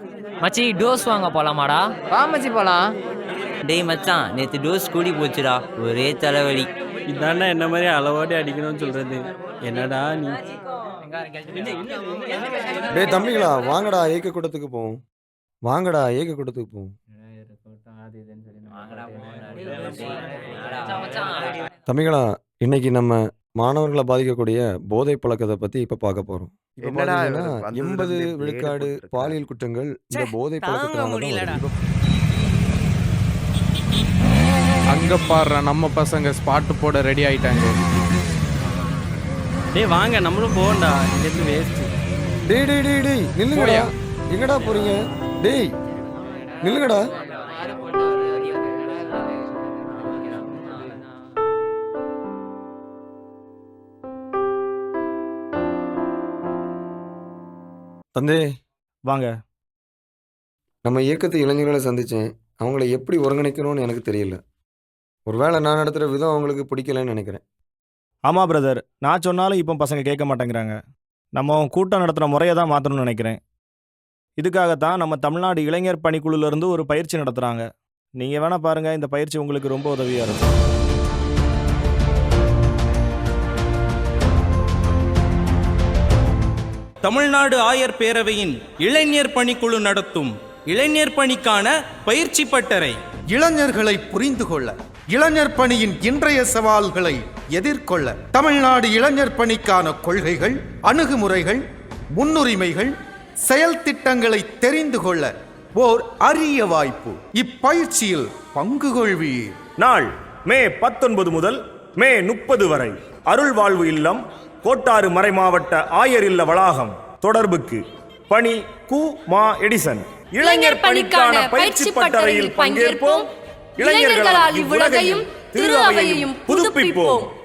மச்சி டோஸ் வாங்க போலாமாடா? வா மச்சி போலாம். டேய் மச்சான், நேற்று டோஸ் கூடி போச்சுடா, ஒரே தலைவலி. இதாண்டா என்ன மாதிரி அளவோடி அடிக்கணும்னு சொல்றது. என்னடா நீ? டேய் தம்பிங்களா, வாங்கடா ஏக கூட்டத்துக்கு போவோம். வாங்கடா ஏக கூட்டத்துக்கு போவோம். தம்பிங்களா, இன்னைக்கு நம்ம மாணவர்களை பாதிக்கக்கூடிய போதை பழக்கத்தை பத்தி இப்ப பார்க்க போறோம். இப்ப என்னடா பாத்தீங்கன்னா வந்ததுல 80 இருந்தே விழுக்காடு blade போட்டுட்டு பாலியல் குற்றங்கள் இந்த போதை தாங்க பழக்கத்தினால தான் முடியலடா. வருது. அங்க பாடுற நம்ம பசங்க ஸ்பாட்டு போட ரெடி ஆயிட்டாங்க. டேய் வாங்க நம்மளும் போகண்டா, இங்கேருந்து வேஸ்ட். டேய் டேய் டேய் டேய் நில்லுங்கடா. எங்கடா போறீங்க? டேய் நில்லுங்கடா. தந்தே வாங்க. நம்ம இயக்கத்து இளைஞர்களை சந்திச்சேன். அவங்கள எப்படி ஒருங்கிணைக்கணும்னு எனக்கு தெரியல. ஒருவேளை நான் நடத்துகிற விதம் அவங்களுக்கு பிடிக்கலன்னு நினைக்கிறேன். ஆமாம் பிரதர், நான் சொன்னாலும் இப்போ பசங்க கேட்க மாட்டேங்கிறாங்க. நம்ம கூட்டம் நடத்துகிற முறையை தான் மாற்றணும்னு நினைக்கிறேன். இதுக்காகத்தான் நம்ம தமிழ்நாடு இளைஞர் பணிக்குழுலேருந்து ஒரு பயிற்சி நடத்துகிறாங்க. நீங்கள் வேணால் பாருங்கள், இந்த பயிற்சி உங்களுக்கு ரொம்ப உதவியாக இருக்கும். தமிழ்நாடு ஆயர் பேரவையின் இளைஞர் பணிக்குழு நடத்தும் இளைஞர் பணிக்கான பயிற்சி பட்டறை. இளைஞர்களை புரிந்து கொள்ள, இளைஞர் பணியின் இன்றைய சவால்களை எதிர்கொள்ள, தமிழ்நாடு இளைஞர் பணிக்கான கொள்கைகள், அணுகுமுறைகள், முன்னுரிமைகள், செயல் திட்டங்களை தெரிந்து கொள்ள ஓர் அரிய வாய்ப்பு. இப்பயிற்சியில் பங்கு கொள்வீர். நாள் மே 19 முதல் மே 30 வரை. அருள் வாழ்வு இல்லம், கோட்டாறு மறைமாவட்ட ஆயர் இல்ல வளாகம். தொடர்புக்கு பணி கு மா எடிசன். இளைஞர் பணிக்கான பயிற்சி பட்டறையில் பங்கேற்போம். இளைஞர்களால் இவ்வுலகையும் திரு அவையையும் புதுப்பிப்போம்.